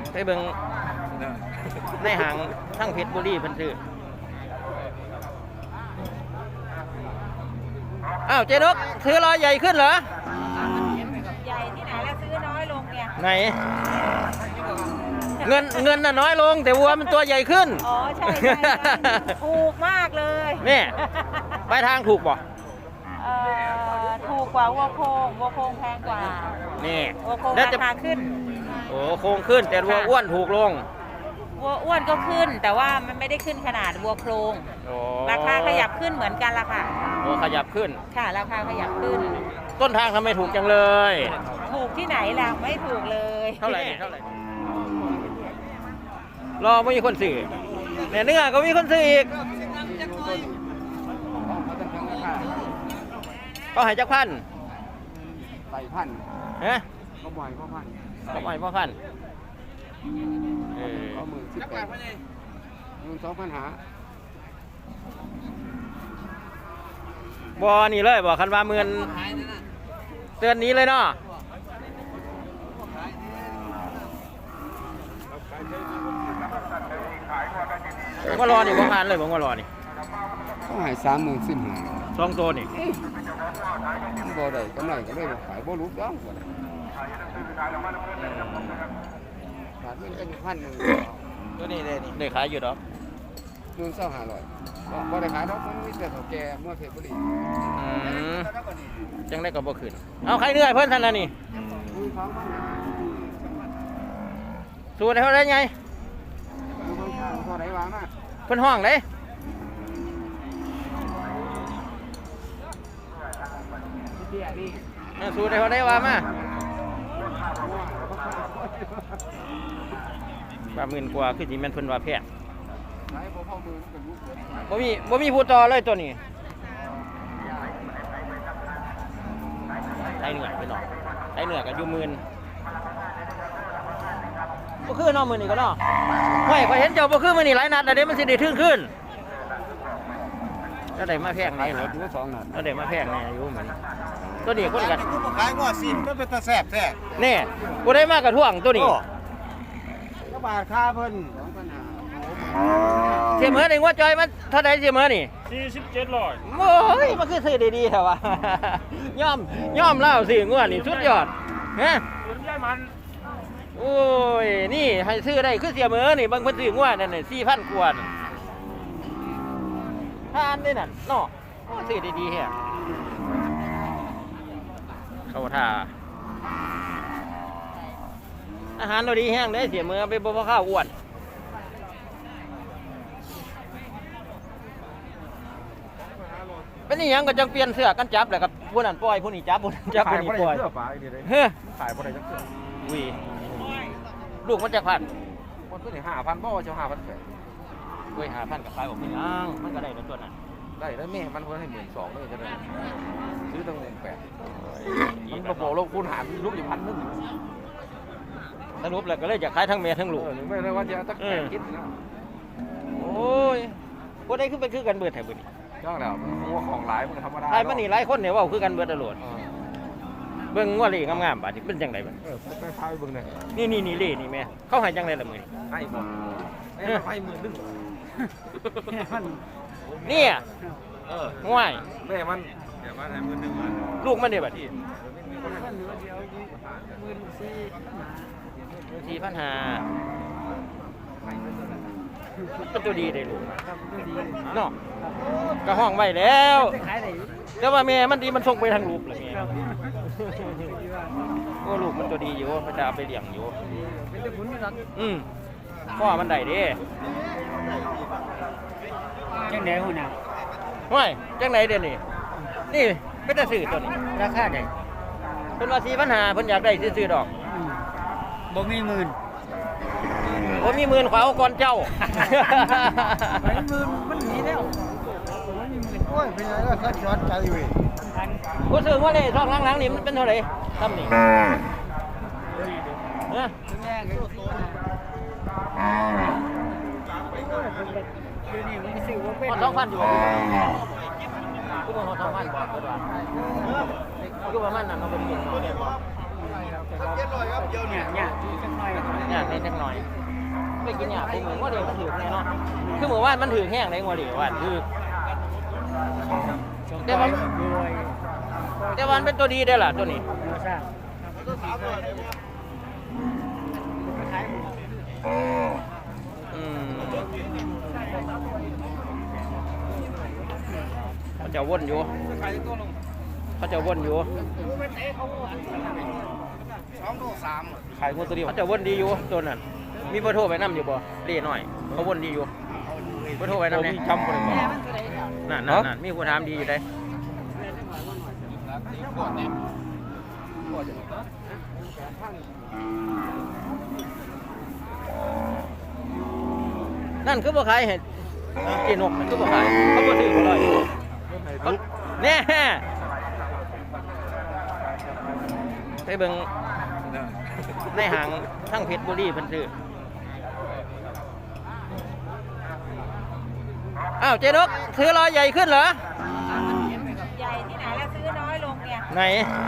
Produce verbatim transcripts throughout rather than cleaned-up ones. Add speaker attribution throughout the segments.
Speaker 1: ไปเบิ่งในห้างทั้งเพชรบุรีเพิ่นซื้ออ้าวเจนกซื้อรอยใหญ่ขึ้นเหรอ
Speaker 2: ใหญ่ที่ไหนแล้วซื้อน้อยลงเนี่ย
Speaker 1: ไหนเงินเงินน่ะน้อยลงแต่วัวมันตัวใหญ่ขึ้น
Speaker 2: อ๋อใช่ใช่ถูกมากเลย
Speaker 1: นี่ไปทางถูกป่ะ
Speaker 2: เอ่อถูกกว่าวัวโคงวัวโคงแพงกว่า
Speaker 1: นี่
Speaker 2: วัวโคงราคาขึ้น
Speaker 1: โอ้โคงขึ้นแต่วัวอ้วนถูกลง
Speaker 2: วัวอ้วนก็ขึ้นแต่ว่ามันไม่ได้ขึ้นขนาดวัวโครงราคาขยับขึ้นเหมือนกันละค่ะ
Speaker 1: โอ้ขยับขึ้น
Speaker 2: ค่ะราคาขยับขึ้น
Speaker 1: ต้นทางทำไมถูกจังเลย
Speaker 2: ถูกที่ไหนล่ะไม่ถูกเลย
Speaker 1: เท่าไหร่เท่าไหร่รอไม่มีคนซื้อเนี่ยเนื้อก็มีคนซื้ออีกก็หายจากพัน
Speaker 3: ใส่พัน
Speaker 1: ฮะ
Speaker 3: ก็บ่อยพ่อพัน
Speaker 1: ก็บ่อยพ่อพัน
Speaker 3: เออเอาหมื่นสิบแปดหมื่นสองพันหา
Speaker 1: บ่นี่เลยบ่คันว่าหมื่นเตือนนี้เลยเนาะว่ารอนี่ว่างานเลยผมว่ารอนี่
Speaker 3: เขาหายสามหมื่นสิบห้า
Speaker 1: สองตัวนี่
Speaker 3: บ่ได้กำไรก็เลยขายบ่รู้ด้องบ่ได้ขาดเงินเป็นพันหนึ่ง
Speaker 1: ตัวนี้เลยนี่ได้ขายอยู่ดอก
Speaker 3: หมื่นสองห้าร้อยบ่ได้ขายดอกมันมีแต่เขาแก่เมื่อเพชรบุรี
Speaker 1: จังได้ก็บ่ขึ้นเอาใครเหนื่อยเพิ่นท่านน่ะนี่สูตรเท่าไรไง
Speaker 3: เท่าไรวางมา
Speaker 1: เพิ่นห้องเลยสูตรเท่าไรวางมาบาหมื่นกว่าคือสิแม่นเพิ่นว่าแพงบ่มีบ่มีผู้ต่อเลยตัวนี้ไอ้เหนื่อยไปหน่อยไอ้เหนื่อยก็อยู่หมื่นบ่คือน้องมื้อนี้ก็เนาะห้วยข่อยเห็นเจ้าบ่คือมื้อนี้หลายนัดแล้วเด้มันสิได้ถึงขึ้นแล้วได้มาแพงนี่เหรอ
Speaker 3: สองนัด
Speaker 1: แล้วได้มาแพงนี่อยู่เหมือนตัวนี้คนกัน
Speaker 3: ขายงอสิมันเป็นตาแซ่บแท้
Speaker 1: นี่บ่ได้มากระท่วงตัวนี้
Speaker 3: ก็บาทค่าเพิ่น
Speaker 1: เสียเหมือในงัวจอยมันเท่าไหร่เสียเหมือนี่
Speaker 4: สี่สิบเจ็ดร้อย
Speaker 1: โอ้ยมันคือซื้อดีๆเหรอวะย่อมย่อมเล่าสิงัวนี่สุดยอดฮะโอ้ยนี่ให้ซื้อได้คือเสียเหมือนี่บางคนซื้องัวนั่นน่ะสี่พันกว่าทานได้นั่นเนาะซื้อดีๆแฮะเข้าท่าอาหารเราดีแห้งได้เสียมือไปบ่พอข้าวอ้วนเป็นนี่ยังก็จังเปลี่ยนเสื้อกันจับแหละครับผู้นั้นปล่อยผู้นี้จับผู้นั้นจับผู้นี้ปล่อยเฮ้ย
Speaker 3: ขายบ่ได้จังเสื้อ
Speaker 1: วิลูกมันจะพัน
Speaker 3: มันคือห้าพันบ่จะห้าพันแปด
Speaker 1: เว้ยห้าพันกับขายบอกไม่ยังมันก็ได้ในตัวนั้น
Speaker 3: ได้แล้วแม่มันเพิ่นให้หมื่นสองเลยจะได้ซื้อตั้งหมื่นแปดมันบ่บอกลงคูณหารลูกอยู่พันนึง
Speaker 1: สรุปแล้วก็เลยจะขายทั้งแม่ทั้งลูก
Speaker 3: ไม่ได้ว่าจะตั้งแปดคิดนะ
Speaker 1: โอ้ยพวกได้ขึ้นเป็นคือกันเบิดแถวนี้
Speaker 3: จ้างแล้วงัวของหลายมันธรรมดา
Speaker 1: ไอ้มันนี่หลายคนเนี่ยว่าคือกันเบิดตลอดเบิ่งงัวเล่งามๆบาดนี้เป็นจังได๋บัด
Speaker 3: เออไปพาไปเบิ่ง
Speaker 1: นี่นี่นี่เล่นี่แม่เขาให้จังได๋ล่ะมื้อนี้
Speaker 3: ให้บ่ให้หมื่นนึง
Speaker 1: นี่เออง่วย
Speaker 3: แม่มันแม่มันให้หมื่นนึง
Speaker 1: ลูกมันได้บัดนี้สี่พันห้าเป็นตัวดีได้ลูกเนาะก็ห้องไว้แล้วแต่ว่าแม่มันดีมันส่งไปทางลูกเลยแม่โอ้ลูกมันตัวดีอยู่เขาจะเอาไปเลี้ยงอยู่อืมพ่อมันได้เด้
Speaker 4: จังไหนหุ่นอ่ะ
Speaker 1: ห้วยจังไหนเดี๋ยวนี้นี่เป็นตาสื่อตัวนี้
Speaker 4: ราคาไหน
Speaker 1: เป็นว่าสี่พันห้าเพิ่นอยากได้ซื้อๆดอก
Speaker 4: บ่มีหมื่น
Speaker 1: บ่มีหมื่นขวาก่อนเจ้า
Speaker 4: ไม่หมื่นมันหนีแล้ว
Speaker 3: โอ้ยเป็นไงล่ะคัดช็อตใจเว้ย
Speaker 1: กูซื้อว่าเลยช่องหลังๆนี่มันเป็นเท่าไหร่ทำนี่เฮ้ยสองพันอยู่กูบอกสองพันบอกก็ได้กูประมาณนั้นเราเป็นเงิน
Speaker 4: เนี่ยเนี่ยจังหน่อย
Speaker 1: เนี่ยในจักหน่อยไปกินเนี่ยไปเหมือนว่าเดี๋ยวมันถือแน่เนาะคือเหมือนว่ามันถือแห้งในงัวเดี๋ยวว่าถือแต่ว่า
Speaker 4: รวย
Speaker 1: แต่ว่ามันเป็นตัวดีได้อล่ะตัวนี้
Speaker 4: มาสร้าง
Speaker 1: อืมเขาจะวนอยู่เขาจะวนอยู่
Speaker 3: ขายงูตัวเดียว
Speaker 1: เขาจะวนดีอยู่ตัวนั้นมีเบอร์โทรไปนํอยู่บ่เรียหน่อยเขาวนดีอยู่เบอร์โทรไปนํเนี่ย
Speaker 3: จำบ่ได้บ่
Speaker 1: นั่นนั่นนั่นมีผู้ถามดีอยู่ได้นั่นคือบ่ขายเห็ดกินนกมันคือบ่ขายเขาบ่ซื้อบ่ร้อยเขาแน่ไปเบิ่งในห้างทั้งเพชรบุรีเพิ่นซื้ออ้าวเจ๊นกซื้อร้อยใหญ่ขึ้นเหรอ
Speaker 2: ใหญ่ที่ไหนแล้วซื้อน้อยลงเนี่ย
Speaker 1: ไหน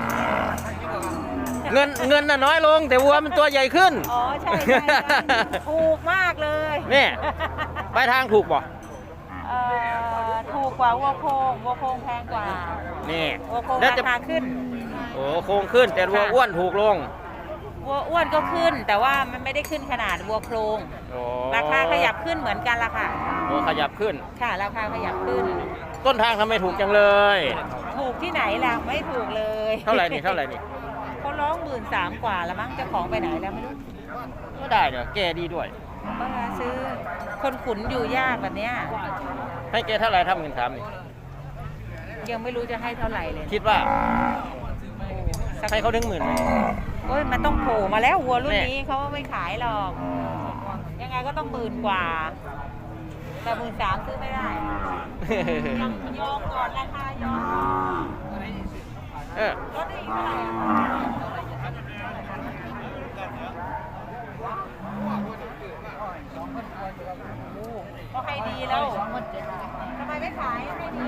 Speaker 1: เงินเงินน่ะน้อยลงแต่วัวมันตัวใหญ่ขึ้น
Speaker 2: อ๋อใช่ใช่ใช่ถูกมากเลย
Speaker 1: นี่ ไปทางถูกป่ะ
Speaker 2: เอ่อถูกกว่าวัวโคงวัวโคงแพงกว่า
Speaker 1: นี่
Speaker 2: วัวโคง
Speaker 1: แล้ว
Speaker 2: รา
Speaker 1: จะ
Speaker 2: คาขึ้น
Speaker 1: โอ้โค้งขึ้นแต่วัวอ้วนถูกลง
Speaker 2: วัวอ้วนก็ขึ้น แต่ว่ามันไม่ได้ขึ้นขนาดวัวโครง
Speaker 1: โอ้
Speaker 2: ราคาขยับขึ้นเหมือนกันละค่ะ
Speaker 1: วัวขยับขึ้น
Speaker 2: ค่ะราคาขยับขึ้น
Speaker 1: ต้นทางทำไมถูกจังเลย
Speaker 2: ถูกที่ไหนล่ะไม่ถูกเลย
Speaker 1: เท่าไหร่นี่เท่าไหร่นี่
Speaker 2: เขาร้องหมื่นสามกว่าแล้วมั้งเจ้าของไปไหนแล้วไม่รู้
Speaker 1: ก็ได้เดี๋ยวแกดีด้วย
Speaker 2: ก็มาซื้อคนขุนอยู่ยากแบบเนี้ย
Speaker 1: ให้แกเท่าไหร่ทำเงินถามนี่
Speaker 2: ยังไม่รู้จะให้เท่าไหร่เลย
Speaker 1: คิดว่า
Speaker 2: สัก
Speaker 1: ให้เขาถึงหมื่นไหม
Speaker 2: โอ้ยมันต้องโผล่มาแล้ววัวรุ่น
Speaker 1: แน่
Speaker 2: นี้เขาไม่ขายหรอก ยังไงก็ต้องหมื่นกว่า แต่หมื่นสามซื้อไม่ได้ยังยอมก่อนราคายอม
Speaker 1: เออ
Speaker 2: ลดได้อีกเท่าไหร่ก็ให้ดีแล้วทำไมไม่ขายให้ดี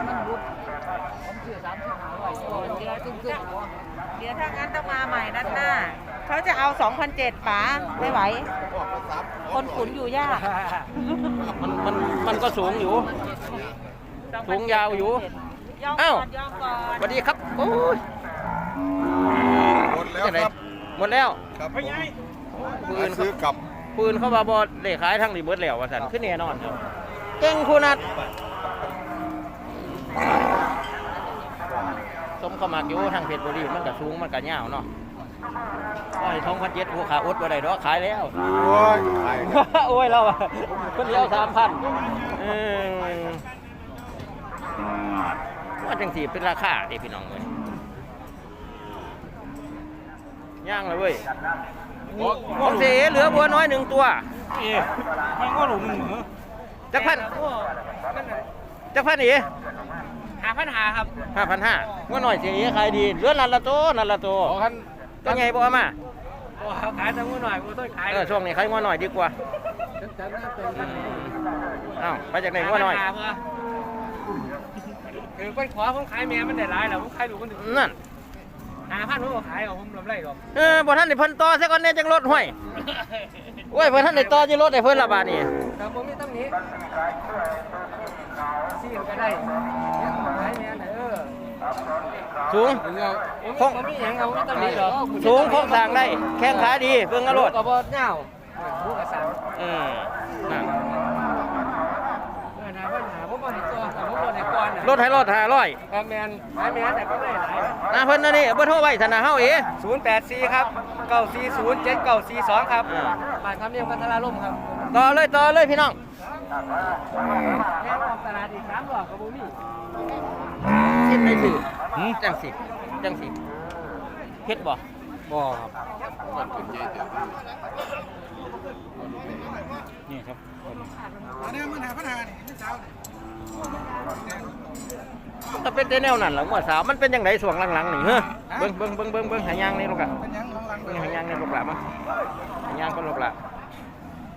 Speaker 2: เดี๋ยวถ้างั้นต้องมาใหม่นัดหน้า เขาจะเอา สองพันเจ็ดร้อย ป๋าไม่ไหว คนขุนอยู่ยาก
Speaker 1: มันมันมันก็สูงอยู่ สูงยาวอยู่
Speaker 2: ยอม
Speaker 1: อ้าว
Speaker 2: ก่อนยอมก่อน
Speaker 1: สวัสดีครับโอ้ย
Speaker 5: หมดแล้วครับ
Speaker 1: หมดแล้ว
Speaker 5: ครับผม
Speaker 1: ปืน
Speaker 5: ซื้อกลับ
Speaker 1: ปืนเข้ามาบอดเลขขายทั้งรีเบิร์ดแล้วว่าสันขึ้นแน่นอนครับเก่งคูนัดสมเข้ามาอยู่ทางเพชรบุรีมันก็สูงมันก็ยาวเนาะโอ้ยทองพันเจ็ดผู้ขาอดบ่ได้ดอกขายแล้ว
Speaker 5: โอ้ยขายครับ
Speaker 1: โอ้ยเราอะคนเดียวสามพันเออว่าจังสีเป็นราคาเด็พี่น้องเลยย่างเลยเว้ยของเสียเหลือบัวน้อยหนึ่งตัว
Speaker 4: เอ๊ะมันก็หลุมหนึ่งเหรอ
Speaker 1: จักพันจักพันอี
Speaker 4: หาพันหาครับ
Speaker 1: ห้าพันห้าว่าหน่อยเสียขายดีเหลือนันละโตนันละโต
Speaker 3: ขอคัน
Speaker 1: ก็ไงบอกมา
Speaker 4: โอ้ขายแต่มือหน่อยมือต้นขาย
Speaker 1: เออช่วงนี้ขายงัวหน่อยดีกว่าอ้าวไปจากไหนงัวหน่อย
Speaker 4: คือคนขอผมขายแม่มันได้หลายแล้วผมขายดูคนหนึ่ง
Speaker 1: นั่น
Speaker 4: หาพันผมก็ขายเอาผมลำไรหรอก
Speaker 1: เออบ่ท่านได้เพิ่นต่อซะก่อนแน่จังรถห้วยโอ้ยเพิ่นท่านได้ต่อจิรถให้เพิ่นละบาดนี้
Speaker 4: แต่ผมมีตั้งนี้ซีมก็ได้ขายแม่ไหนเออ
Speaker 1: สูง
Speaker 4: ผมผมมีอย่างเอาไม่ตั้งนี้หรอก
Speaker 1: สูงโครงสร้างได้แข้งขาดีเบิ่งเอารถ
Speaker 4: ก็บ่เงาผู้กระสัง
Speaker 1: อืมนั่น
Speaker 4: เออนะปัญหาผมบ่เห็นตัวแต่ผมบ่เห็นก่อน
Speaker 1: รถให้รถห้าร้อย
Speaker 4: ครับแมนขายแม่แต่ก็ได้หลาย
Speaker 1: นะเพิ่นนั่นนี่เบ่โทรไว้ธนาเฮาเอ๋
Speaker 4: ศูนย์แปดสี่ครับเก้าสี่ศูนย์เจ็ดเก้าสี่สองครับ
Speaker 1: อ่า
Speaker 4: บ้านคำเนียงพัทราล่มครับ
Speaker 1: ต่อเลยต่อเลยพี่น้อง
Speaker 4: แม่ออกตลาดอีกสามรอบกับบุมี่
Speaker 1: สิให้ถือจังสิจังสิเฮ็ดบ่
Speaker 4: บ่ครับนี่ครับ
Speaker 5: อันนี้มันหาปัญหานี่เช้า
Speaker 1: มันก็เป็นแต่แนวนั้นล่ะงัวสาวมันเป็นจังไดช่วงหลังๆนี่เฮ้อเบิ่งเบิ่งเบิ่งเบิ่งเบิ่งหายางนี่ลูกอ่ะ
Speaker 5: เป็นยังของหลัง
Speaker 1: เบิ่งหายางนี่ลูกหล่ะมาหายางก็ลูกหล่ะ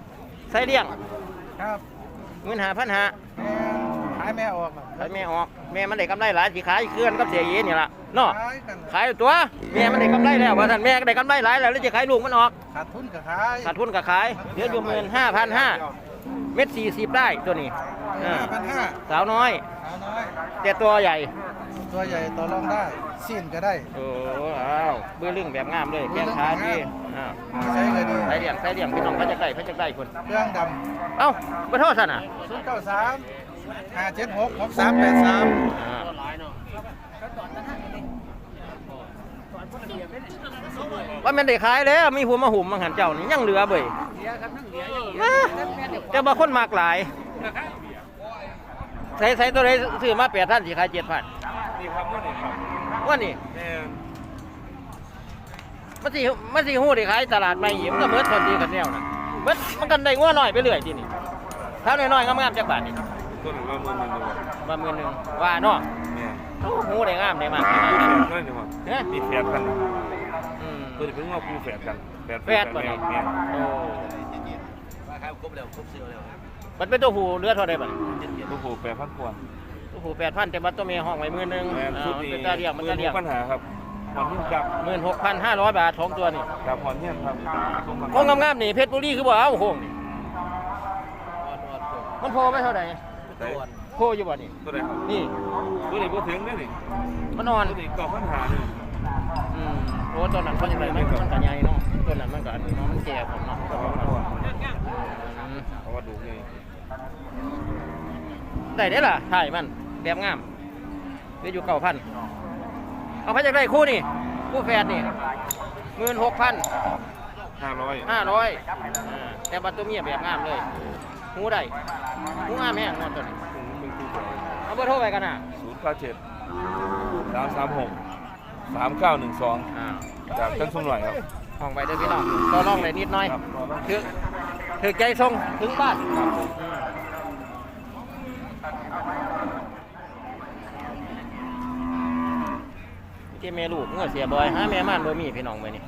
Speaker 1: ใส่เลี้ยง
Speaker 5: ครับ
Speaker 1: เงินห้าพันห้า
Speaker 5: แม่ขายแม่ออกครับ
Speaker 1: ขายแม่ออกแม่มันได้กำไรหลายสิขายเคลื่อนกับเสียเย็นนี่ล่ะเนาะ
Speaker 5: ขายกัน
Speaker 1: ขายตัวแม่มันได้กำไรแล้วว่าท่านแม่ก็ได้กำไรหลายแล้วแล้วจะขายลูกมันออก
Speaker 5: ขาดทุนกับขาย
Speaker 1: ขาดทุนก็ขายเหลืออยู่หมื่นห้าพันห้าเม็ดสี่สิบได้ตัวนี้อ่า
Speaker 5: ห้าพันห้า
Speaker 1: สาวน้อย
Speaker 5: ขาวน้อย
Speaker 1: แต่ตัวใหญ่
Speaker 5: ตัวใหญ่ต่อรองได้สิ้นก็ได้
Speaker 1: โอ้อ้าวเบื้อลึงแบบงามเลยแข้งขาดีอ้าว
Speaker 5: ใช้เลยดี
Speaker 1: ใส่เหลี่ยมใส่เหลี่ยมพี่น้องพระจักได้พระจักได้คน
Speaker 5: เครื่องด
Speaker 1: เอ้าบ่โทษสั่นน่ะ
Speaker 5: ำศูนย์เก้าสามห้าเจ็ดหกหกสามแปดสาม
Speaker 1: อ่าว่าแมันได้ขายแล้วมีหัวมาหุ่มมังหันเจ้านี่ยังเหลือเบ่ยอ่าแต่บางคนมากหลายใส่ใส่ตัวไหนซื้อมาแปดพันสิขายเจ็ดพัน
Speaker 3: นี่ครับว่านี่ครับ
Speaker 1: ว่านี่
Speaker 3: แม่
Speaker 1: มันสิมันสิหู้ได้ขายตลาดใหม่หิมก็เบิดคนดีกันแนวน่ะเบิดมันกันได้งัวน้อยไปเรื่อยทีนี่ถ้าน้อยๆงามๆจักบาทนี่
Speaker 3: ต้นละหมื่นหนึ่งดีกว่า
Speaker 1: มาหมื่นหนึงว่าเนาะ
Speaker 3: แม่
Speaker 1: โอ้หู้ได้งามได้มาก
Speaker 3: มีแฝดด้วยนี่ว่า
Speaker 1: เฮ้ย
Speaker 3: มีแฝดกัน
Speaker 1: อืม
Speaker 3: ตัวนี้เพิ่งว่าคู่แฝดกันแฝด
Speaker 1: แฝดบ่
Speaker 3: แม่
Speaker 1: นี่
Speaker 3: แม่
Speaker 1: โอ้มันเป็นตัวผู้เลือดเท่าใดบัด
Speaker 3: ลูกผูแปดพันกว่า
Speaker 1: ตัวผู้แปดพันแต่ว่าตัวเมียห้องไว้หมื่นหนึง
Speaker 3: แม่
Speaker 1: อ่า
Speaker 3: ชุด
Speaker 1: มัน
Speaker 3: นี้
Speaker 1: เป็นตาเรียกมันตาเรียก
Speaker 3: ปัญหาครับหอนที่กับ
Speaker 1: หมื่นหกพันห้าร้อยบาทสองตัวนี่
Speaker 3: กับหอนที่ครับ
Speaker 1: โค้งงามๆนี่เพชรบุรีคือบ่เอาโค้งนี่มันโพไปเท่าไหร่
Speaker 3: ตัว
Speaker 1: โพอยู่บ่นี่
Speaker 3: ตัวไหนครับ
Speaker 1: นี่
Speaker 3: ตัวนี้บ่ถึงเนี่ยนี่
Speaker 1: มันนอน
Speaker 3: ตัวนี้เก่าปัญหาเลย
Speaker 1: อืมโอ้ตัวนั้นมันยังไงมันมันก็ใหญ่เนาะตัวนั้นมันก็อันนี้เนาะมันแก่ผมเนาะอืม
Speaker 3: เพราะว่าดูไง
Speaker 1: ได้ได้อล่ะถ่ายมันแบบงามเหลืออยู่เก้าพันเอาไปจากได้คู่นี่คู่แฝดนี่หมื่นหกพัน
Speaker 3: ห้าร้อย
Speaker 1: ห้าร้อยแต่บัตตัวเมียแบบงามเลยหูได้หูงามแห้งนอนตัวนี้
Speaker 3: มึงคู่แฝด
Speaker 1: เอาเบอร์โทรไปกันนะ
Speaker 3: ศูนย์เก้าเจ็ดสามสามหกสามเก้าหนึ่งสอง
Speaker 1: อ่า
Speaker 3: จากทั้งสุ่มหน่อยครับ
Speaker 1: ห้องไปเด้อพี่น้องต่อรองเลยนิดหน่อย
Speaker 3: ครับรอบ้าง
Speaker 1: ถือถือใจทรงถึงบ้านที่แม่ลูกเงื่อเสียบอยหาแม่ม่านบ่มีพี่น้องมื้อนี้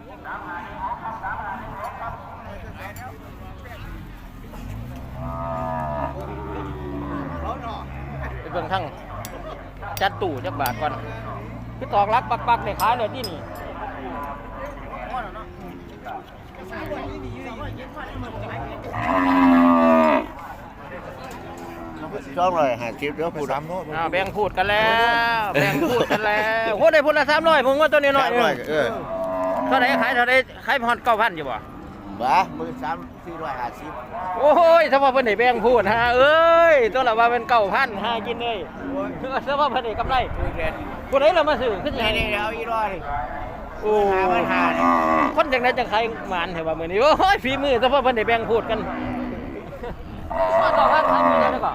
Speaker 1: ไปเบิ่งทั้งจัดตู้จักบาทก่อนคือตอกลักปักๆได้ขายเลยที่นี่
Speaker 5: ช่องเลยหาคลิปแล้วพูดสามโน้ต
Speaker 1: อ่าแบ่งพูดกันแล้วแบ่งพูดกันแล้วโหได้พูดละสามร้อยผมว่าตัวนี้น้อย
Speaker 5: เออ
Speaker 1: เท่าไหร่ขายเท่าไหร่ขายพอนเก้าพันอยู่บ่
Speaker 5: บ้ามือสามสี่ร้อยห้าสิบ
Speaker 1: โอ้ยถ้าว่าเพิ่นได้แบ่งพูดฮะเอ้ยตัวละว่าเป็นเก้าพันหากินเลยถ้าว่าเพิ่นได้กำไรผู้ใดเรามาซื้อขึ้นยังไง
Speaker 5: เอาอีร้อย
Speaker 1: โอ้คนจังได๋จังใครหมานแท้ว่ามื้อนี้โอ้ยฝีมือถ้าว่าเพิ่นได้แบ่งพูดกันว่าต่อพันขายมื้อแล้วก็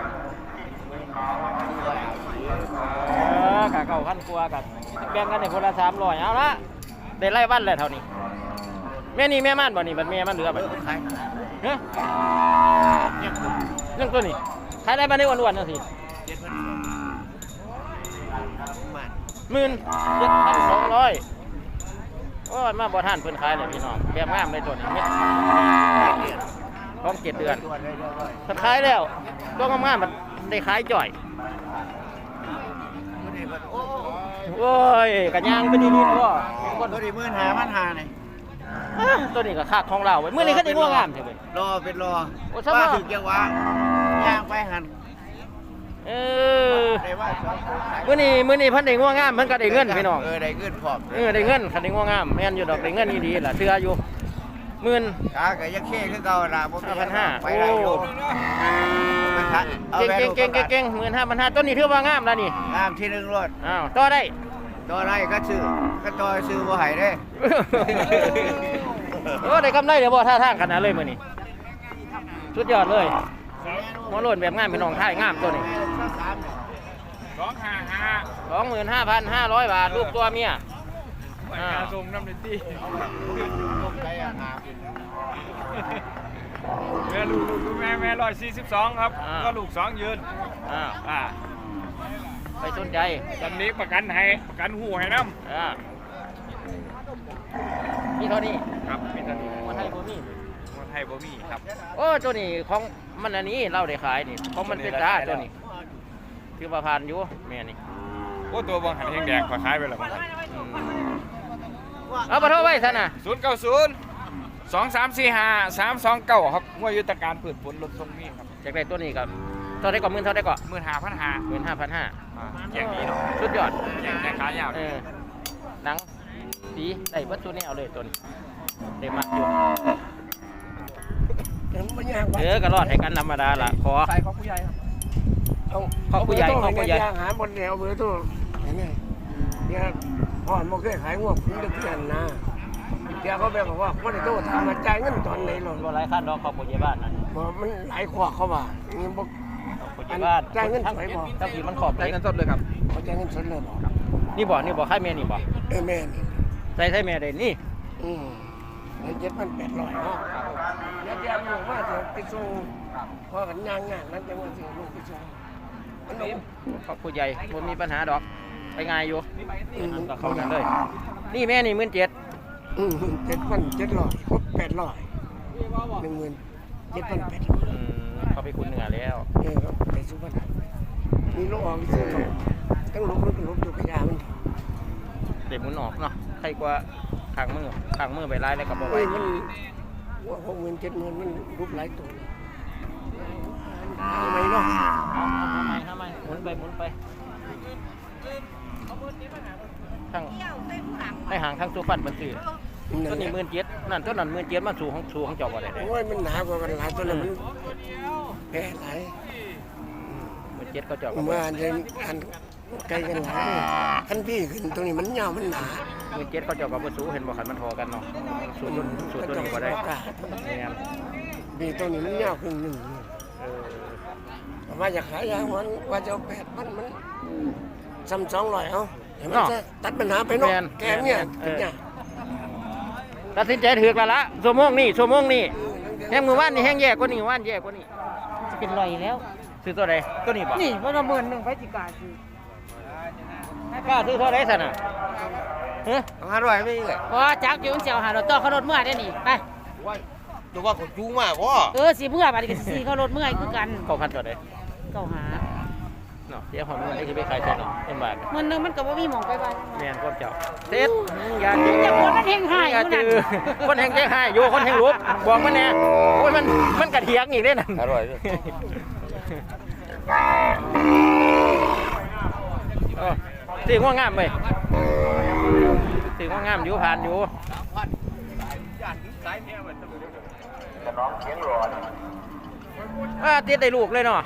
Speaker 1: เออกะเก้าพันกว่ากับแบ่งกันให้คนละสามร้อยเอาละได้ไล่วันแล้วเท่านี้แม่นี่แม่ม่านบ่นี่บัดแม่มันเหลือบัด
Speaker 5: ขาย
Speaker 1: ฮะเรื่องตัวนี้ขายได้มาได้อ้วนๆจังซี่
Speaker 5: เจ็ดพันบาท
Speaker 1: หมื่นเจ็ดพันสองร้อยโอ้ยมาบ่ทันเพิ่นขายเลยพี่น้องแบบงามเลยตัวนี้เม็ดของเจ็ดเดือน
Speaker 5: ตัวได้ด้วย
Speaker 1: เพิ่นขายแล้วตัวงามๆมันได้ขายจ่อย
Speaker 5: ตัวนี้โอ้
Speaker 1: โอ้ยกระย่างไปดีๆพ่อ
Speaker 5: คนตัวนี้มื่นหาพันหาเนี่ย
Speaker 1: อ่ะตัวนี้ก็คักของเราเว้ยมื้อนี้เขาได้งัวงามใช่เว้ย
Speaker 5: รอเป็นรอ
Speaker 1: โอ้สบาย
Speaker 5: ว่าถึงจะว่าย่างไปหัน
Speaker 1: เออ
Speaker 5: ได้ว่าสองตัวขาย
Speaker 1: มื้อนี้มื้อนี้เพิ่นได้งัวงามเพิ่นก็ได้เงินพี่น้อง
Speaker 5: เออได้เงินพร้อม
Speaker 1: เออได้เงินคันได้งัวงามแม่นอยู่ดอกได้เงินดีๆล่ะเชื่ออยู่หมื่น
Speaker 5: ขาก็ยังเข้คือเก่าล่ะบ่มี
Speaker 1: ห้าพันห้า
Speaker 5: ไปได้อยู่มันทัดอา
Speaker 1: เก่ง
Speaker 5: ไป
Speaker 1: เก่งเก่งเก่งเก่งหมื่นห้าพันห้าต้นนี้ถือว่างามแล้วนี่
Speaker 5: งามที่หนึ่งรถ
Speaker 1: อ้าวต่อได้
Speaker 5: ตัวไรก็ซื้อก็ตัวซื้อบ่ให้เด้
Speaker 1: โอ้ได้กำไรเดี๋ยวบ่ท่าทางขนาดเลยมื้อนี้สุดยอดเลยหัวโล้นแบบงามพี่น้องท้ายงามตัวนี้
Speaker 3: สองห้าห้า
Speaker 1: สองหมื่นห้าพันห้าร้อยบาทลูกตัวเมียอ่า
Speaker 3: ส่งน้ำในที่แม่ลูกลูกแม่แม่ร้อยสี่สิบสองครับก็ลูกสองยืน
Speaker 1: อ้าว
Speaker 3: อ่า
Speaker 1: ไปสนใจ
Speaker 3: ตอนนี้ประกันให้ประกันหูให้น้
Speaker 1: อ่ามีเท่านี้
Speaker 3: ำครับมีตอนนี้
Speaker 1: มันให้บ่มี
Speaker 3: มันให้บ่มีครับ
Speaker 1: โอ้ตัวนี้ของมันอันนี้เราได้ขายนี่ของมันเป็นตาตัวนี้คือว่าผ่านอยู่แม่นี่
Speaker 3: โอ้ตัวบางหันแห้งแดงขอขายไปแล้วบางหัน
Speaker 1: เอาปะโทษไว้ซะนะ
Speaker 3: ศูนย์เก้าศูนย์สองสามสี่ห้าสามสองเก้าครับงวดยุทธการพืชผลลดทรงนี้ครับ
Speaker 1: จากได้ตัวนี้ครับเท่าได้ก่อนหมื่นเท่าได้ก่อน
Speaker 3: หมื่นห้าพันห้า
Speaker 1: หมื่นห้าพันห้า
Speaker 3: แข่งนี้เนาะ
Speaker 1: สุดยอด
Speaker 3: แข่งแข่งขายาว
Speaker 1: เออหนังสีได้วัตถุนี้เอาเลยตัวนี้ได้มักอยู่เออก็รอดให้กันธรรมดาล่ะขอ
Speaker 4: ใส่ของผู้ใหญ่ครับ
Speaker 1: ขอบผู้ใหญ่ขอบผู้ใหญ่
Speaker 6: หาบนแนวเบอร์ตัวเนี่ยเนี่ยพ่อมันเคยขายงวกคุณเด็กที่นั่นนะเดี๋ยวเขาแบบบอกว่าวันนี้ตัวทำมาจ่ายเงินตอนไหนหรอ
Speaker 1: บ่หลายขั้นดอกขอบผู้ใหญ่บ้านนั่น
Speaker 6: บอกมันหลายขวบเขาว่านี่บอก
Speaker 1: ขอบผู้ใหญ่บ้าน
Speaker 6: จ่ายเงิน
Speaker 1: ทั้ง
Speaker 6: สวยบ่
Speaker 1: ทั้งที่มันขอบ
Speaker 3: ได้
Speaker 1: เลย
Speaker 3: เงินสดเลยครับ
Speaker 6: เขาจ่ายเงินสดเลยบอก
Speaker 1: นี่บ่นี่บ่ค่ายแม่นี่บ่
Speaker 6: เออแม่นี่
Speaker 1: ใส่ใส่แม่ได้นี่
Speaker 6: อืมในเจ็ดพันแปดร้อยเนาะเดี๋ยวเดี๋ยวลูกว่าจะไปส่งพ่อกันย่างงานนั้นจะว่าจะลูกไปส่งมันเอา
Speaker 1: ขอบผู้ใหญ่บ่มีปัญหาดอกไปง่ายอยู่
Speaker 6: อืม
Speaker 1: ก็เข้ากันเลยนี่แม่นี่หมื่นเจ็ด
Speaker 6: อืมเจ็ดพันเจ็ดร้อยครบแปดร้อยหนึ่งหมื่นเจ็ดพันแปดร้อย
Speaker 1: อืมเขาไปคุณเหนือแล้ว
Speaker 6: เออครับไปสุพรรณมีลูกออกซื้อเขาตั้งลูกมันก็ลูกอยู่กับยามัน
Speaker 1: เด็หมุนออกเนาะใครกว่าข้างมือข้างมือไปไล่แล้วก็บ่ไหว
Speaker 6: เอ้ยมันว่าหกหมื่นเจ็ดหมื่นมันรูปหลายตัวทำไมเนาะ
Speaker 1: ทำไมทำไมหมุนไปหมุนไปทั้งในห่างทั้งสุพรรณมันซื้อตัวนี้หมื่นเจ็ดนั่นตัวนั้นหมื่นเจ็ดมันสูงของสูงของเจ้าบ่ได้เลย
Speaker 6: โอ้ยมันหนากว่ากันหลายตัวเลยมันแพ้หลาย
Speaker 1: หมื่นเจ็ดเขาเจ้าก็
Speaker 6: เมื่ออันเดินอันไกลกันหลายขั้นพี่ขึ้นตรงนี้มันยาวมันหนา
Speaker 1: หมื่นเจ็ดเขาเจ้าก็บ่สูงเห็นบ่คันมันทอกันเนาะสูงสูงตัวนี้บ่ได้แม่น
Speaker 6: พี่ตรงนี้มันยาวขึ้นหนึ่ง
Speaker 1: เออ
Speaker 6: ว่าจะขายยางมันว่าจะเอาแปดพันมันซ้ำสองร้อยเอาเห็นมันจะตัดปัญหาไปเนาะแกเนี่ยเป็นไง
Speaker 1: ตัดสินใจถือกแล้วละชั่วโมงนี้ชั่วโมงนี้แห้งมือว่านนี่แห้งแย่กว่านี้ว่านแย่กว่านี้
Speaker 2: จะเป็นรอยแล้ว
Speaker 1: ซื้อตัวใดตัวนี้บ่
Speaker 2: นี่มันละหมื่นหนึ่งไปจิกาซื้อก
Speaker 1: ล้าซื้อตัวใดซั่นน่ะเฮ้ย
Speaker 5: ห้าร้อยไม่เลย
Speaker 2: ว่าจักอยู่เสียวหารถต่อเขารถเมื่อได้นี่ไป
Speaker 5: ดูว่าเขาจูงมากวะ
Speaker 2: เออสิเมื่อบัดนี้ก็สิเขารถเมื่อยคือกัน
Speaker 1: เข้าพันตัวใด
Speaker 2: เก้าหา
Speaker 1: เนาะเดี๋ยวผมมันได้สิไปขายตัวเนาะเป็นบาท
Speaker 2: เงินหนึงมันก็บ่มีหม่องไปบ้าน
Speaker 1: แม่นความเจ้าเซ็ตอย่าจื้อ
Speaker 2: อย่าคนมันแห้งหาย
Speaker 1: อย่า
Speaker 2: อยู่
Speaker 1: จื้
Speaker 2: นั่
Speaker 1: อน คนแห้งแห้งหายอยู่คนแห้งรูปบอกมันแน่โอ้ยมันมันกระเทียงอีกเด้นั่น
Speaker 5: ห้าร้อย
Speaker 1: เออสีง่วงงามไปสีง่วงงามอยู่ผ่านอยู่อ่าติดได้ลูกเลยเนาะ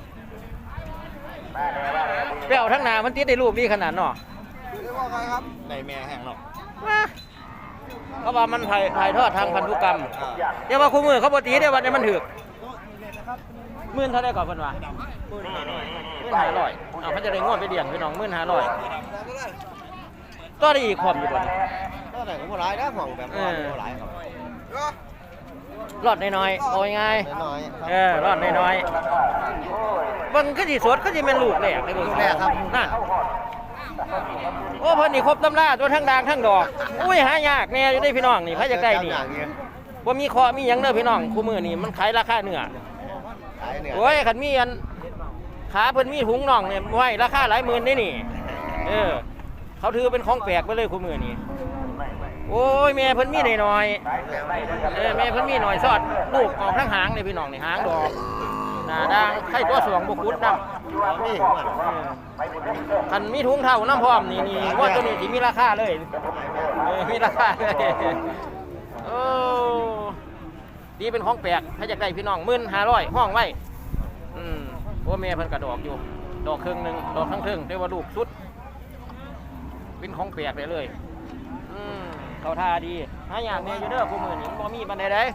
Speaker 1: เปรี้ยวทั้งหนามันติดได้ลูกดีขนาดเนาะ
Speaker 5: ในแม่แห้งหรอก
Speaker 1: ว่าเขาว่ามันถ่ายถ่ายทอดทางพันธุกรรมเดี๋ยวว่าคู่มือเขาปกติเดี๋ยววันนี้มันถือหมื่นเท่าไรก่อนเพิ่นว่าหมื่นห้าร้อยเอาเขาจะได้งวดไปเลี้ยงพี่น้องหมื่นห้าร้อยก็ได้อีกความอยู่บ่นี่
Speaker 5: ก็แต่ก็บ่หลายนะของแบบว่าบ่หลายครับ
Speaker 1: รอดน้อยๆเอาง่าย
Speaker 5: น้อย
Speaker 1: ๆเออรอดน้อยๆเบิ่งคือสิสดคือสิแม่นลูกแรกเลยเบิ่งแรกครับนั่นโอ้เพิ่นนี่ครบตำราตัวทั้งด่างทั้งดอกอุ้ยหายากแน่อยู่ได้พี่น้องนี่ไผอยากได้นี่บ่มีเคอมีหยังเด้อพี่น้องคู่มือนี่มันขายราคาเนื้อ
Speaker 5: ขายเนี่ย
Speaker 1: โอ้ยขันมีอันขาเพิ่นมีถุงน่องเนี่ยไว้ราคาหลายหมื่นได้นี่เออเขาถือเป็นของแปลกไปเลยคู่มือนี่โอ้ยแม่เพิ่นมีหน่อยๆเออแม่เพิ่นมีหน่อยสอดลูกออกทั้งหางเลยพี่น้องนี่หางดอกหน้าด่างไข่ตัวสวงบ่คุดนำ
Speaker 5: นี่
Speaker 1: คันมีถุงเท่าน้ำพร้อมนี่นี่ว่าตัวนี้สิมีราคาเลยเออมีราคาเลยโอ้ดีเป็นของแปลกถ้าอยากได้พี่น้องหมื่นห้าร้อยห้องไว้อืมโอ้แม่เพิ่นกระดอกอยู่ ดอกครึ่งหนึ่งดอกทั้งครึ่งแต่ว่าลูกสุด เป็นของแปลกเลยเลยอืมเขาท่าดีหาอย่างแม่อยู่เด้อคู่มือนี่บ่มีบันไดใด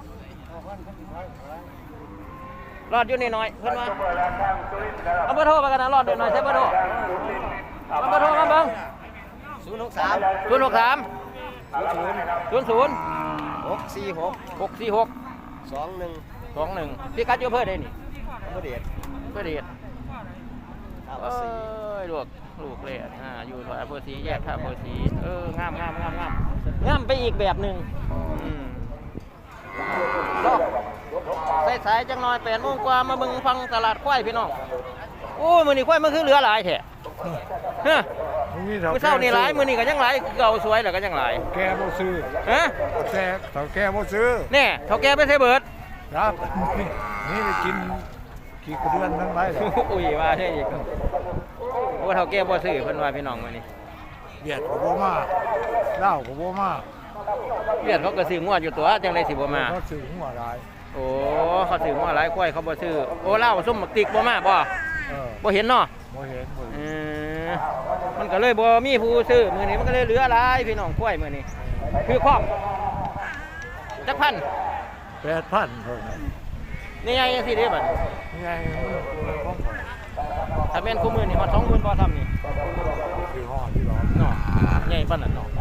Speaker 1: รอดอยู่นิดหน่อยเพิ่นว่าเอาเบอร์โทรไปกันนะรอดอยู่หน่อยใช่เบอร์โทรเอาเบอร์โทรมาเบิ่ง
Speaker 5: ศูนย์หกสาม
Speaker 1: ศูนย์หกสาม
Speaker 5: ศูนย์
Speaker 1: ศูนย์ศูนย์
Speaker 5: หกสี่หก
Speaker 1: หกสี่หก
Speaker 5: สองหนึ่ง
Speaker 1: สองหนึ่งพี่กัดอยู่เพื่อได้นี่
Speaker 5: พระเดช
Speaker 1: เพื่อเดียด
Speaker 5: ท่า
Speaker 1: เอ
Speaker 5: ภาษี
Speaker 1: ้ยลูกลูกเลยอ่าอยู่ถอยอำเภอศรีแยกท่าอำเภอศรีเอองามงามงามงามงามไปอีกแบบหนึ่งอืมดอกสายๆจังหน่อยแปดโมงกว่ามาเบิ่งฟังตลาดควายพี่น้องโอ้มื้อนี้ควายมันคือเหลือหลายแท้ฮะมื้อเช้านี่หลายมื้อนี้ก็ยังหลายคือเก่าสวยแล้วก็ยังหลาย
Speaker 6: แกบ่ซื้อ
Speaker 1: ฮะ
Speaker 6: แซ่เฒ่าแกบ่ซื้อ
Speaker 1: แน่เฒ่าแก่ไปใส่เบิด
Speaker 6: ครับนี่ไปกินขี้กระเดือนทั้งหลาย
Speaker 1: อุ้ยว่าใช่อีกโอ้เฒ่าแก่บ่ซื้อเพิ่นว่าพี่น้องมื้อนี้
Speaker 6: เบียดก็บ่มาเหล้าก็บ่มา
Speaker 1: เวียดเขาก็ซื้องัวอยู่ตัวจังได๋สิบ่มา
Speaker 6: เขาซื้อหัวหลาย
Speaker 1: โอ้เขาซื้องัวหลายควายเขาบ่ซื้อโอ้เหล้าส้มหมักติกบ่มาบ่
Speaker 6: เออ
Speaker 1: บ่เห็นเนาะ
Speaker 6: บ่เห็นบ่
Speaker 1: เอ
Speaker 6: เห็น
Speaker 1: อมันก็เลยบ่มีผู้ซื้อมื้อนี้มันก็เลยเหลือหลายพี่น้องควายมื้อนี้คือครอบจักพัน
Speaker 6: แปดพันเท่านั้น
Speaker 1: นี่ไงจังซี่เด้บัด
Speaker 6: ไงมันของ
Speaker 1: ถ้าแม่นคู่มื้อนี่ฮอด สองหมื่นบ่ทำนี่
Speaker 6: คือห่อที่ร้อน
Speaker 1: เนาะใหญ่ปานนั้นเนาะ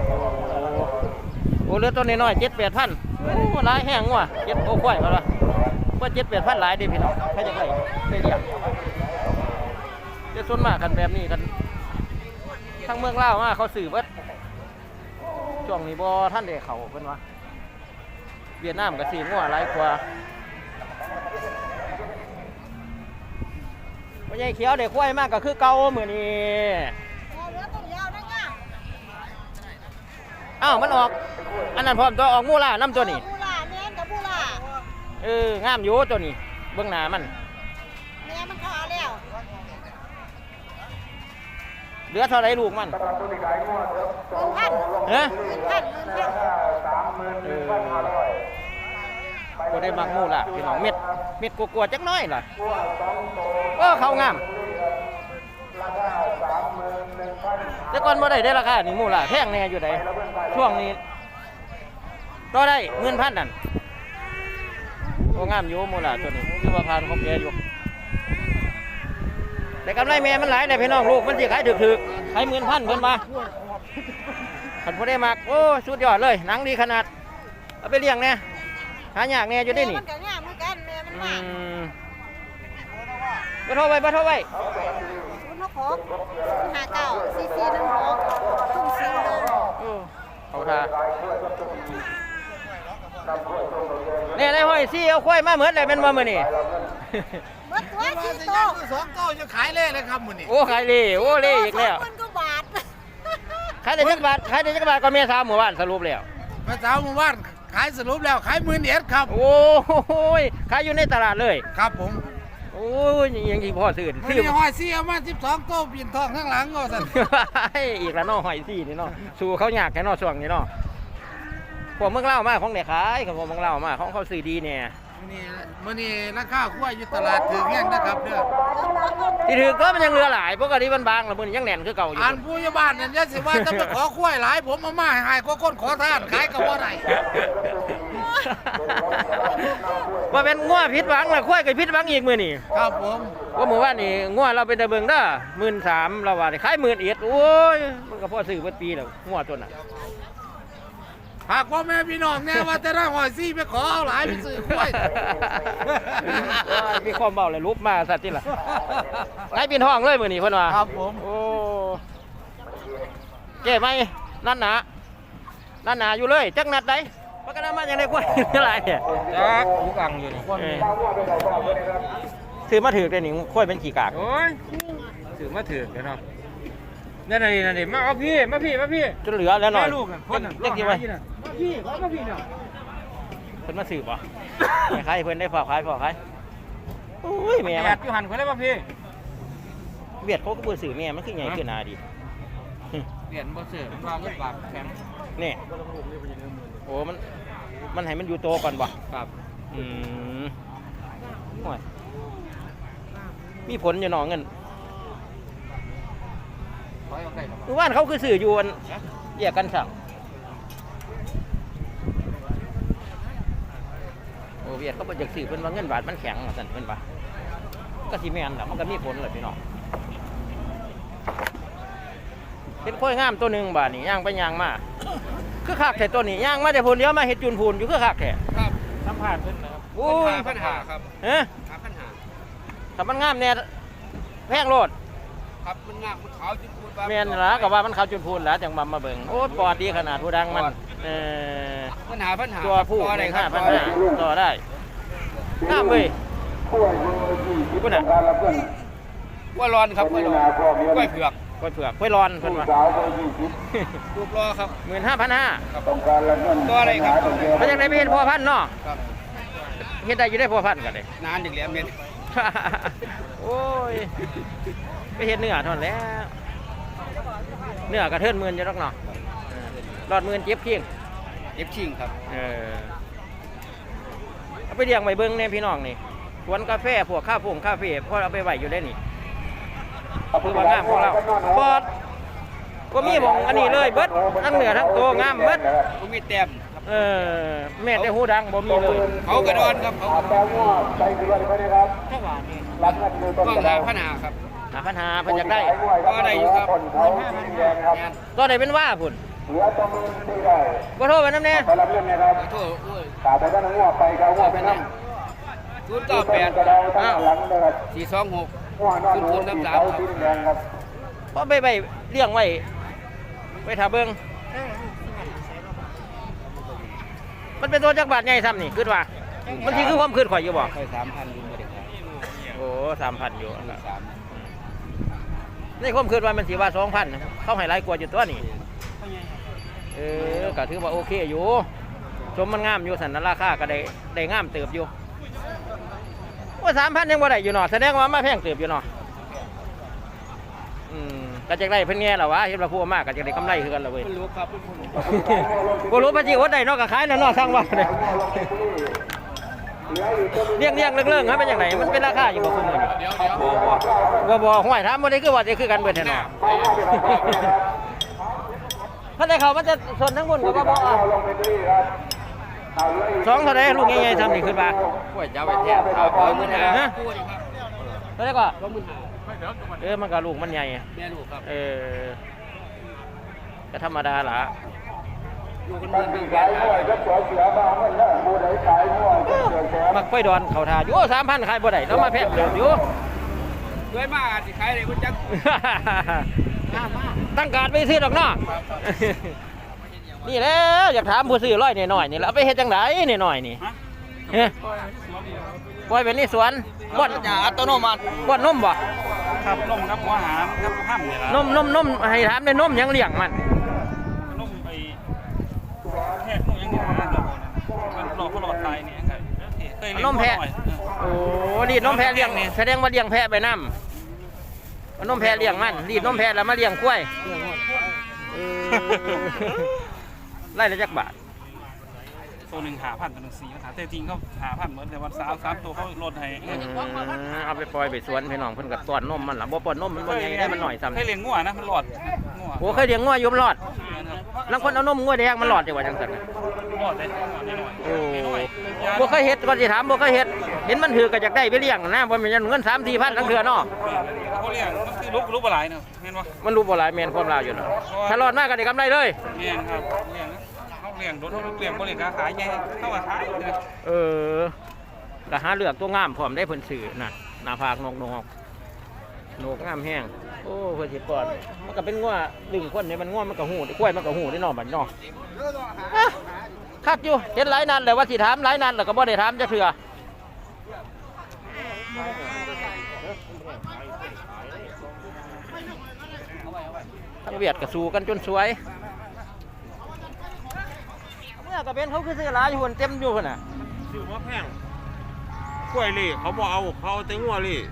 Speaker 1: โอ้เหลือตัวน้อยๆ เจ็ดแปดพันโอ้หลายแห้งว่ะเจ็ดโอ้ควายว่าล่ะว่าเจ็ดแปดพันหลายเด้พี่น้องใครจะได้ได้เลี้ยงจะส่วนมากกันแบบนี้กันทั้งเมืองลาวมาเขาซื้อเบิดช่วงนี้บ่ท่านได้เข้าเพิ่นว่าเวียดนามก็ซื้องัวหลายกว่าบ่ใหญ่เขียวได้ควายมากก็คือเก่ามื้อนี้
Speaker 2: เหลือต้นยาวนะง่ะ
Speaker 1: อ้าวมันออกอันนั้นพร้อมตัวออกมูล่าน้ำตัวนี้
Speaker 2: บูล่าแม่นกับบูล่า
Speaker 1: เอองามอยู่ตัวนี้เบื้องหน้ามัน
Speaker 2: แม่มันขาแล้ว
Speaker 1: เหลือเท่าไรลูกมัน
Speaker 2: หมื่นพัน
Speaker 1: เฮ้ย
Speaker 2: หมื่นพันหมื่นพัน
Speaker 1: เออก็ได้มักมูล่าพี่น้องเม็ดเม็ดกลัวๆจักหน้อยล่ะโอ้เขางามแต่ก่อนบ่ได้ได้ราคานี่มูล่าแพงแน่อยู่ไดช่วงนี้ต่อได้เงินพันนั่นโอ้งามอยู่มูล่าตัวนี้คือว่าพานเขาแก่อยู่แต่กำไรแม่มันหลายแต่พี่น้องลูกมันสิขายถึกๆขายหมื่นพันเพิ่นมาขันพอได้มากโอ้สุดยอดเลยหนังดีขนาดเอาไปเลี้ยงเนี่ยหายากแน่อยู่ได้นี่
Speaker 2: มันก็งามเหมือนกันแม่มัน
Speaker 1: อื
Speaker 2: มาก
Speaker 1: มบ่โทรไว้บ่โทรไว้
Speaker 2: ศูนย์หกหกศูนย์ห้าเก้าสี่สี่หนึ่งหกทุ่มสี่เลย
Speaker 1: โอ้เขาท่าเนี่ยนายห้อยซี่เอาควายมาเหมือนเลยเป็นว่ามื้อนี้
Speaker 2: เมื่อตัวสี่โต
Speaker 5: สองโต้จะขายเล่เลยครับมื้อนี้
Speaker 1: โอ้ขายเล่โอ้เล่อีกแล้ว
Speaker 2: สองหมื่นกว่าบาท
Speaker 1: ขายได้จักบาทขายได้จักบาทก็เมียสาวหมู่บ้านสรุปแล้ว
Speaker 5: พระเจ้าหมู่บ้านขายสรุปแล้วขายหมื่นเอ็ดครับ
Speaker 1: โอ้ยขายอยู่ในตลาดเลย
Speaker 5: ครับผม
Speaker 1: โอ้ยยังที่พ่อซื้อ
Speaker 5: มื้อ
Speaker 1: ซื้อ
Speaker 5: นี้ห้อยซี่เอามาสิบสองโต้ปีนทองข้างหลังก็สั่น
Speaker 1: อีกแล้วเนาะหอยซี่นี่เนาะสู้เขายากแค่เนาะช่วงนี้เนาะพวกเมืองเล่าวมาของเด็กขายกับพวกเมืองเล่าวมาของเขาซื้อดีเนี่ย
Speaker 5: มื้อนี้มื้อนี้ราคาควายอยู่ตลาดถึงแห้งนะครับเด้อ
Speaker 1: ที่ถือก็มันยังเหลือหลายปกติมันบางแล้วมันยังแน่นคือเก่าอยู่
Speaker 5: อันผู้ใหญ่บ้านนั่นอย่าสิว่าจะไปขอควายหลายผมเอามาให้หายก็คนขอทานขายก็บ่ได้
Speaker 1: ว่าเป็นงัวพิษหวังละควายกับพิษหวังอีกมือนี่
Speaker 5: ครับผม
Speaker 1: ว่าหมู่ว่านนี่งัวเราเป็นตะเบิงเด้อหมื่นสามเราว่าได้ขายหมื่นเอ็ดโอ้ยมันก็พอซื้อเบิดปีแล้วงัวตัวน่ะ
Speaker 5: หากพ่อแม่พี่น้องแน่ว่าแต่ละหอยซี่ไปขอเอาหลายไปซื้อควาย
Speaker 1: มีความเบาเลยลุกมาสัตว์ที่ล่ะไงปีนห้องเลยมือนี่เพิ่นว่า
Speaker 5: ครับผม
Speaker 1: โอ้เก๋ไหมนั่นหนานั่นหนาอยู่เลยจักนัดใดปากกามาอย่างไรกว่าอะไรเนี่ย
Speaker 4: จักลูกอังอยู่นี่
Speaker 1: เออซื้อมาถือได้นี่ค่อยเป็นขี่กาก
Speaker 4: โอ้ยถือมาถือกันเนาะนั่นน่ะนี่นั่นนี่มาเอาพี่มาพี่มาพี่
Speaker 1: จนเหลือแล้วหน่อย
Speaker 4: แม่ลูกน่ะคนน่ะ
Speaker 1: เล็กกี่ไว้
Speaker 4: มาพี่ขอมาพี่เนาะ
Speaker 1: เพิ่นมาซื้อป่ะขายเพิ่นได้ฝากขายฝากขายโอ้ยแม่
Speaker 4: แด
Speaker 1: มั
Speaker 4: ด
Speaker 1: น
Speaker 4: อยู่หันคนเลยมาพี่
Speaker 1: เบียดเขาก็บ่ซื้อแม่มันคือใหญ่ขึ้นหนาดี
Speaker 4: เปลี่ยนบ่ซื้อมันวางเงินบาทแข็ง
Speaker 1: นี่โอ้มันมันให้มันอยู่โตก่อนบ่
Speaker 4: ครับ
Speaker 1: อืมโอ้ยมีผลอยู่หนอเงิน
Speaker 4: ร้อยเอาได้หรอ
Speaker 1: คือว่านเขาคือสื่ออยู่อันแยกกันสั่งโอ้เวียดเขาบอกจากสื่อเป็นว่าเงินบาทมันแข็งสั่นเป็นปะก็สิแม่นแหละมันก็มีผลเลยพี่น้องเป็นค่อยงามตัวหนึ่งบาทนี่ย่างไปย่างมาคือคักแต่ตัวนี้ย่างมาแต่พูนเลี้ยวมาเห็ดจุนพูนอยู่คือคักแท้
Speaker 5: ครับ
Speaker 4: สัมผัสเพิ่นนะครับ
Speaker 1: โอ้ย
Speaker 5: ปัญหาครับ
Speaker 1: เฮ้ย
Speaker 5: หาปัญหา
Speaker 1: ถ้ามันงามเนี่ยแพงโลด
Speaker 5: ครับมันงามมันขาวจนพูดว่า
Speaker 1: แม่นละก็ว่ามันเขาจุนพูนแล้วจังมามาเบิ่งโอ้ปอดดีขนาดผู้ดังมันเออ
Speaker 5: ปัญหาปัญหา
Speaker 1: ตัวผู้
Speaker 5: ต่อ
Speaker 1: ใน
Speaker 5: ได้ค
Speaker 1: ห้า
Speaker 5: รับ
Speaker 1: พันห้าต่อได้งามเว้ยคุณน่ะ
Speaker 4: กล้วยร้อนครับกล้วยร้อนกล้วยเผือก
Speaker 1: กล้วยเผือกกล้วยร้อนเพิ่นว่า
Speaker 4: ลูกรอครับ
Speaker 1: หมื่นห้าพันห้า
Speaker 4: ตัวอะไรครับ
Speaker 1: เป็นยังไงไม่เห็นพ่อพันธุ์เนาะ
Speaker 4: ครับ
Speaker 1: เห็นได้อยู่ได้พ่อพันธุ์กันเลย
Speaker 4: นานอีกแล้วเมียน
Speaker 1: โอ้ยไปเห็นเนื้อเท่านั้นแหล้วเนื้อกระเทินหมื่นอยู่ดอกเนาะหลอดหมื่นเจ็บเพียง
Speaker 4: เอฟชิงครับ
Speaker 1: เออเอาไปเลี้ยงไว้เบิ้งเนี่ยพี่น้องนี่สวนกาแฟพวกข้าวผงคาเฟ่พอเอาไปไว้อยู่ได้นี่คือว่างามของเราปอดก็มีหมองอันนี้เลยเบิดทั้งเหนือทั้งตัวงามเบิด
Speaker 4: ผมมีแต้ม
Speaker 1: เออแม่ได้หูดังบ่มีเลย
Speaker 4: เขากระดอนครับเขากระดอน
Speaker 1: แค่ว่านี่
Speaker 4: ต้องหาพันหาครับ
Speaker 1: หาปัญหาเพิ่นอยากได้
Speaker 4: ก็ได้อยู่ครับ
Speaker 1: ตอนไหนเป็นว่าพุ่นบ่โทรไปน้ำแน่
Speaker 4: ขอโทษโอ้ยศูนย์เก้าแปด
Speaker 1: อ้าว
Speaker 4: สี่สองหกศูนย์ศูนย์สามสามครับ
Speaker 1: พอไปไปเลี้ยงไว้ไปถาเบิ่งมันเป็นตัวจักรบาทใหญ่ซ้ำนี่คิดว่า มันสิคือความคิดข่อยอยู่บ่
Speaker 4: ค่อยสามพันลุงไม่ได้ขาย
Speaker 1: โอ้สามพันอยู่
Speaker 4: สาม
Speaker 1: ในความคิดว่ามันสิว่าสองพันเขาให้หลายกว่าอยู่ตัวนี่เออก็ถือว่าโอเคอยู่ชมมันงามอยู่สันนั้นราคาก็ได้ได้งามเติบอยู่ว่าสามพันยังบ่ได้อยู่เนาะแสดงว่ามาแพงเติบอยู่เนาะอืมก็จะได้เพิ่นแง่ล่ะวะเห็นว่าผู้มากก็จะได้กำไรคือกันล่ะเว้ย
Speaker 4: ไม่รู้ครับ
Speaker 1: บ่รู้ปะจิอดได้เนาะก็ขายแล้วเนาะสร้างว่าเนี่ยเลี้ยงเลี้ยงเรื่องๆครับเป็นจังไดมันเป็นราคาอยู่บ่ซุมื้อนี่บ่บ่ห้วยถามบ่ได้คือว่าจะคือกันเบิดแท้เนาะถ้าได้เขามันจะสนทั้งบนกับว่าบ่อ่ะสองเท่าไรลูกใหญ่ๆทำนี่ขึ้นมา
Speaker 4: กล้วยจะเอาไปแทนเอาไปมือหา
Speaker 1: ฮะเท่าไรก็
Speaker 4: ก็มือหา
Speaker 1: เออมันก็ลูกมันใหญ่
Speaker 4: แม่ลูกครับ
Speaker 1: เออก็ธรรมดาล่ะ
Speaker 4: ลูกกันมือหนึ่งแสน
Speaker 1: มักไฟดอนเขาทาอยู่สามพันขายบ่ได้แล้วมาแพงเดิมอยู่
Speaker 4: ด้วยมากอาจจะขายได้คุณจัก
Speaker 1: ตั้งการไปซื้อดอกเนาะนี่แหล้วอยากถามผู้ซื้อร้อยหน่อยๆนี่แล้วเอาไปเฮ็ดจังไดนี่หน่อยนี่เฮ้ยปล่อยเป็นนี่สวนบ่อน
Speaker 4: ยาอัตโนมัติ
Speaker 1: บ่อนนมบ่
Speaker 7: ครับนมครับหัวหามครับห้ามเนี่ยละ
Speaker 1: นมนมนมให้ถามได้นมยังเลี้ยงมัน
Speaker 7: นมไปแพทย์นมยังเนี่ยนะมันหลอกเขาหลอดตายเนี่ยครับเคยเลี้ยง
Speaker 1: นมแพะ
Speaker 7: หน่อย
Speaker 1: โอ้รีดนมแพะเลี้ยงนี่แสดงว่าเลี้ยงแพะไปนำเอานมแพะเลี้ยงมันรีดนมแพะแล้วมาเลี้ยงกล้วยเออไล่ละจักบาท
Speaker 7: ตัวหนึ่งหาพันตัวหนึ่งสี่หาแต่จริงเขาหาพันเหมือนแต่วันสามสามตัวเขาลดให้
Speaker 1: อืมเอาไปปล่อยไปสวนพี่น้องเพิ่นก็ต้อนนมมันล่ะบ่ป้อนนมมันบ่ใหญ่ได้มันหน่อยซ้ำ
Speaker 7: เคยเลี้ยงงัวนะมันหลอดงัว
Speaker 1: โอ้เคยเลี้ยงงัวอยู่มันรอด
Speaker 7: ครับ
Speaker 1: ลางคนเอานมงัวแดงมันรอดจังว่าจังซั่นน่ะ
Speaker 7: หลอดได้หน่อย
Speaker 1: โอ้
Speaker 7: หน่อย
Speaker 1: บ่เคยเฮ็ดก่อนสิถามบ่เคยเฮ็ดเห็นมันถือก็อยากได้ไปเลี้ยงนะบ่แม่นเงิน สามสี่พันทั้งเทื่อเนาะ
Speaker 7: เขาเลี้ยงมันคือลุกลุกปลาไหลเนาะเห็นปะ
Speaker 1: มันรู้บ่หลายแม่นความลาวอยู่เนาะถ้ารอดมากก็ได้กำไรเลย
Speaker 7: เลี้ยงครับเลี้ยงเขาเลี้ยงโดนเขาเลี้ยงบริการขายไงเข้ามาขายเลย
Speaker 1: เออก็หาเลือกตัวงามพร้อมได้เพิ่นซื้อน่ะหน้าผากนกนกนกงามแห้งโอ้เพิ่นสิป้อนมันก็เป็นงัวดึงคนนี่มันงัวมันก็หู้กล้วยมันก็หู้ได้เนาะบัดเนาะอ่ะคักอยู่เห็นหลายนัดแล้วว่าสิถามหลายนัดแล้วก็บ่ได้ถามจักเทื่อทั้งเวียดก็สู้กันจนสวยเมื่อก็เป็นเขาคือซื้อหลายอยู่เต็มอยู่พุ่นน่ะ
Speaker 5: ซื้อว่าแพงกล้วยลี่เขาบอกเอาเขาเอาแต่งัวลี่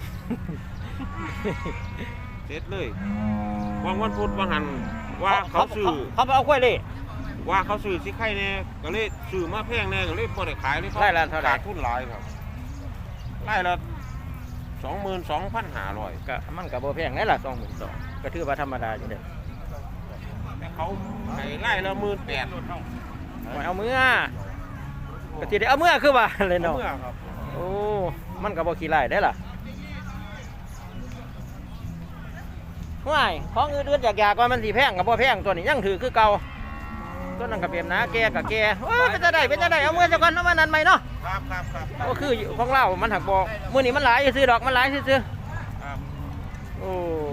Speaker 5: เสร็จเลยวันวันพุธวันหันว่าเขาซื้อ
Speaker 1: เขาเอากล้วยเลย
Speaker 5: ว่าเขาซื้อสิไข่แน่ก็เลยซื้อมาแพงแน่ก็เลยพอได้ขายเลย
Speaker 1: ไร่ละเท่าไหร่
Speaker 5: ขาดทุนหลายครับไร่ละสองหมื่นสองพันห้าร้อย
Speaker 1: ก็มันก็บ่แพงนั่นล่ะสองหมื่นสองก็ถือว่าธรรมดาอยู่เด้อ
Speaker 5: แต่เขาให้ไร่ละหมื่นแปด
Speaker 1: เอาเมื่อก็สิได้เอาเมื่อคือว่าเลยเนาะ
Speaker 5: เมื่อครับ
Speaker 1: โอ้มันก็บ่ขี้ไล่ได้ล่ะห่วยของอื่นๆอยากๆว่ามันสิแพงก็บ่แพงตัวนี้ยังถือคือเก่าตัวนั้นก็เปรียบนะแกก็แกโอ้เป็นจะได้เป็นจะได้เอาเมื่อซะก่อนเอามานั้นใหม่เนาะ
Speaker 5: ครับครับครับ
Speaker 1: ก็คือของเรามันหักบ่มื้อนี้มันหลายซื่อๆดอกมันหลายซื่อ
Speaker 5: ครับ
Speaker 1: ๆโอ้